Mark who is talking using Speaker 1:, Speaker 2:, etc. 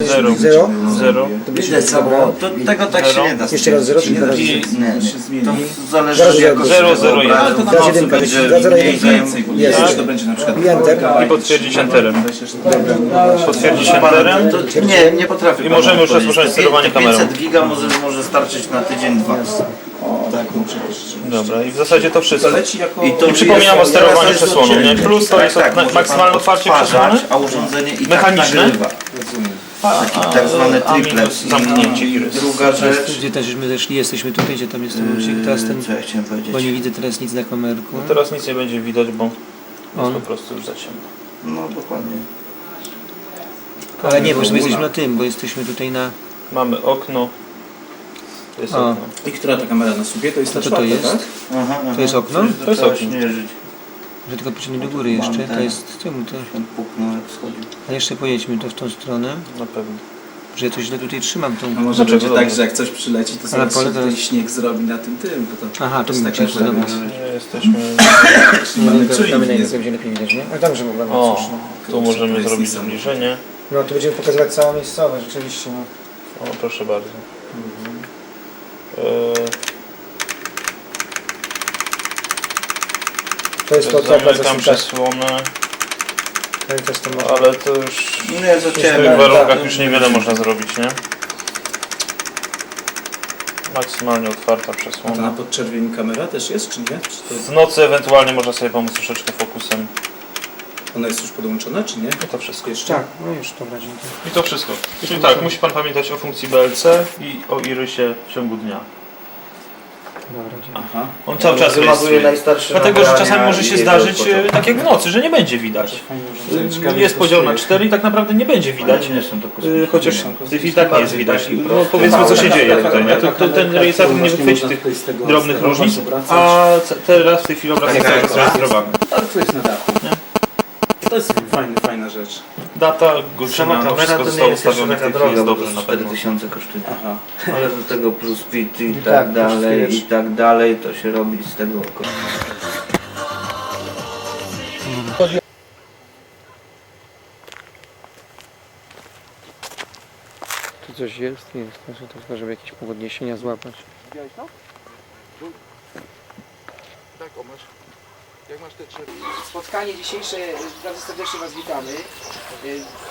Speaker 1: 0.
Speaker 2: 0.
Speaker 3: Widać co, bo tego tak się nie da.
Speaker 1: Jeszcze raz 0, czyli teraz
Speaker 3: Nie. To zależy od jakości
Speaker 2: 0, 0,
Speaker 3: tego
Speaker 2: 1.
Speaker 3: obrazu.
Speaker 1: Teraz jedynka,
Speaker 3: Będzie
Speaker 1: teraz
Speaker 3: mniej
Speaker 1: więcej. Jest.
Speaker 4: To będzie na przykład
Speaker 1: I enter.
Speaker 2: I potwierdzić enterem. Potwierdzić
Speaker 3: Pan,
Speaker 2: enterem.
Speaker 3: to nie potrafię.
Speaker 2: I możemy już rozpocząć sterowanie kamerą.
Speaker 3: 500 giga może starczyć na tydzień, dwa.
Speaker 4: tak, no przecież.
Speaker 2: Dobra, i w zasadzie to wszystko.
Speaker 4: To leci jako...
Speaker 2: I przypominam o sterowaniu
Speaker 3: jest
Speaker 2: przesłoną, nie? Plus to jest
Speaker 3: może
Speaker 2: maksymalne
Speaker 3: pan
Speaker 2: otwarcie
Speaker 3: odtwarzać,
Speaker 2: przesłony.
Speaker 3: a urządzenie i
Speaker 2: Mechaniczne?
Speaker 3: tak nagrywa. Tak zwany
Speaker 2: a
Speaker 3: triplet.
Speaker 2: minus zamknięcie iris.
Speaker 3: Druga rzecz.
Speaker 5: Gdzie też my zeszli, jesteśmy tutaj, gdzie tam jest ten łącznik, teraz ten,
Speaker 3: Co ja chciałem powiedzieć?
Speaker 5: bo nie widzę teraz nic na kamerku.
Speaker 2: No teraz nic nie będzie widać, bo jest
Speaker 5: On.
Speaker 2: po prostu już za ciemno.
Speaker 3: No dokładnie.
Speaker 5: Ale nie, bo my jesteśmy na tym, bo jesteśmy tutaj na...
Speaker 2: Mamy okno. To jest
Speaker 5: O.
Speaker 2: okno.
Speaker 4: I która ta kamera na sobie? To jest ta
Speaker 5: Co to
Speaker 4: czwarta,
Speaker 5: jest?
Speaker 4: tak?
Speaker 3: Aha,
Speaker 5: To jest okno?
Speaker 2: To jest okno.
Speaker 3: Śmierzyć.
Speaker 5: Że tylko pociągnę do góry jeszcze, to jest... Czemu to?
Speaker 3: On puknął jak schodził.
Speaker 5: A jeszcze pojedźmy to w tą stronę,
Speaker 2: Na pewno.
Speaker 5: że ja coś źle tutaj trzymam tą...
Speaker 4: A może
Speaker 2: Dlaczego?
Speaker 4: będzie tak, że jak coś przyleci, to
Speaker 5: Ale
Speaker 4: zaraz
Speaker 5: pole
Speaker 4: się tutaj
Speaker 5: teraz-
Speaker 4: śnieg zrobi na tym, bo to...
Speaker 5: Aha, to mi
Speaker 4: jest
Speaker 5: przeszło,
Speaker 4: taka,
Speaker 5: dobra.
Speaker 4: że-
Speaker 2: Nie jesteśmy...
Speaker 4: Mamy czujnik, nie?
Speaker 1: będzie lepiej widać, nie? Ale tam, że mogę
Speaker 2: O,
Speaker 1: cóż, no.
Speaker 2: tu
Speaker 4: To
Speaker 2: możemy
Speaker 4: jest
Speaker 2: zrobić
Speaker 4: niesamowite.
Speaker 2: zbliżenie.
Speaker 1: No, tu będziemy pokazywać całą miejscowość, rzeczywiście, no.
Speaker 2: O, proszę bardzo.
Speaker 1: To jest to, co
Speaker 2: Zamykam przesłonę,
Speaker 1: też to można.
Speaker 2: ale to już
Speaker 3: Nie, za
Speaker 2: w tych
Speaker 3: ciemno.
Speaker 2: warunkach już niewiele można zrobić, nie? Maksymalnie otwarta
Speaker 4: A to na
Speaker 2: przesłona.
Speaker 4: podczerwieni kamera też jest, czy nie? Czy to
Speaker 2: W nocy ewentualnie można sobie pomóc troszeczkę fokusem.
Speaker 4: ona jest już podłączona, czy nie?
Speaker 2: I to wszystko.
Speaker 4: Jeszcze?
Speaker 1: Tak, no już, dobra, dziękuję.
Speaker 2: I to wszystko. Czyli tak, musi Pan pamiętać o funkcji BLC i o irysie w ciągu dnia.
Speaker 1: Dobra, dziękuję.
Speaker 4: Aha.
Speaker 2: On cały czas
Speaker 3: Wymaguje
Speaker 2: rejestruje.
Speaker 3: najstarsze
Speaker 2: Dlatego, że
Speaker 3: nagrania
Speaker 2: czasami może się
Speaker 3: i
Speaker 2: zdarzyć,
Speaker 3: jego
Speaker 2: tak jak w nocy, że nie będzie widać. Jest podział na 4 i tak naprawdę nie będzie widać.
Speaker 3: Nie są to kosmiczne.
Speaker 2: Chociaż w tej chwili tak nie jest widać. No powiedzmy co się dzieje tutaj. Nie? To ten rejestrator nie wychwyci tych drobnych różnic, a teraz w tej chwili obraz jest zarejestrowany.
Speaker 4: Ale to jest na dachu. To jest fajna rzecz.
Speaker 2: Data, godzina,
Speaker 3: Sama
Speaker 2: no
Speaker 3: kamera
Speaker 2: wszystko
Speaker 3: to nie
Speaker 2: zostało
Speaker 3: jest jeszcze
Speaker 2: ustawione w
Speaker 3: taka
Speaker 2: tej chwili, jest
Speaker 3: droga, bo
Speaker 2: dobrze
Speaker 3: to
Speaker 2: na pewno.
Speaker 3: 4000 kosztuje.
Speaker 4: Aha.
Speaker 3: Ale do tego plus PIT i
Speaker 1: tak,
Speaker 3: tak dalej,
Speaker 1: kosztuje.
Speaker 3: i tak dalej, to się robi z tego kosztuje.
Speaker 5: Tu coś jest? Jest, znaczy to tylko, żeby jakieś podniesienia złapać.
Speaker 6: Spotkanie dzisiejsze, bardzo serdecznie Was witamy.